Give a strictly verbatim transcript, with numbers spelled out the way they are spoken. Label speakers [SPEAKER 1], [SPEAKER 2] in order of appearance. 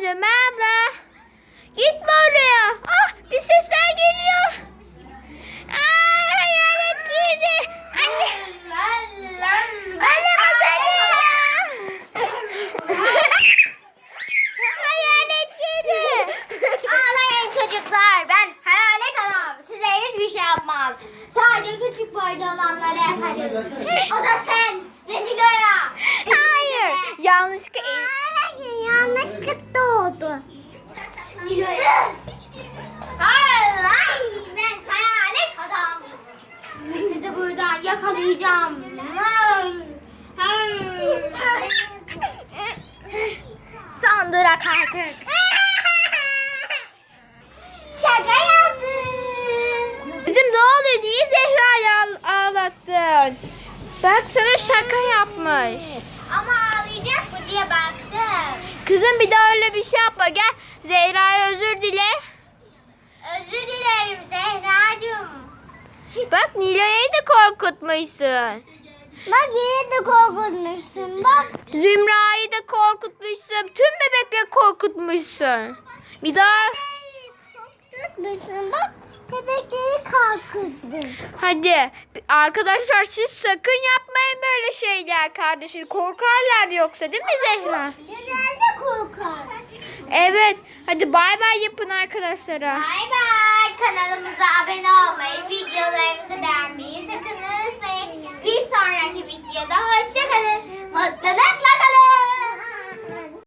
[SPEAKER 1] Ömer abla. Gitme oraya. Ah, bir sesler geliyor. Aa, hayalet girdi. Anne. Anne masada. Hayalet girdi.
[SPEAKER 2] Ağlayın çocuklar. Ben hayalet adam. Size hiçbir şey yapmam. Sadece küçük boyda olanları yaparım. O da sen ve Nilo'ya.
[SPEAKER 1] Hayır. Yanlışlıkla.
[SPEAKER 2] Yanlışlıkla oldu. Nilo'ya. Hayır. Ben hayalet adam. Sizi buradan yakalayacağım.
[SPEAKER 1] Son durak artık.
[SPEAKER 2] Şaka yaptım.
[SPEAKER 1] Kızım ne oluyor? Niye Zehra'yı ağ- ağlattın? Bak sana şaka yapmış.
[SPEAKER 2] Ama ağlayacak mı diye baktım.
[SPEAKER 1] Kızım bir daha öyle bir şey yapma. Gel Zehra'ya özür dile.
[SPEAKER 2] Özür dilerim Zehracığım.
[SPEAKER 1] Bak Nilo'yu da korkutmuşsun.
[SPEAKER 2] Bak yine de korkutmuşsun bak.
[SPEAKER 1] Zümra'yı da korkutmuşsun. Tüm bebekleri korkutmuşsun. Bir daha
[SPEAKER 2] Korkutmuşsun bak. Bebekleri korkuttun.
[SPEAKER 1] hadi arkadaşlar siz sakın yapmayın böyle şeyler kardeşim. Korkarlar yoksa değil mi Zehra?
[SPEAKER 2] Genelde korkar.
[SPEAKER 1] Evet. Hadi bay bay yapın arkadaşlara.
[SPEAKER 2] Bay bay. Kanalımıza abone olmayı, videolarımızı beğenmeyi sakın unutmayın. Bir sonraki videoda hoşçakalın. Mutlulukla kalın.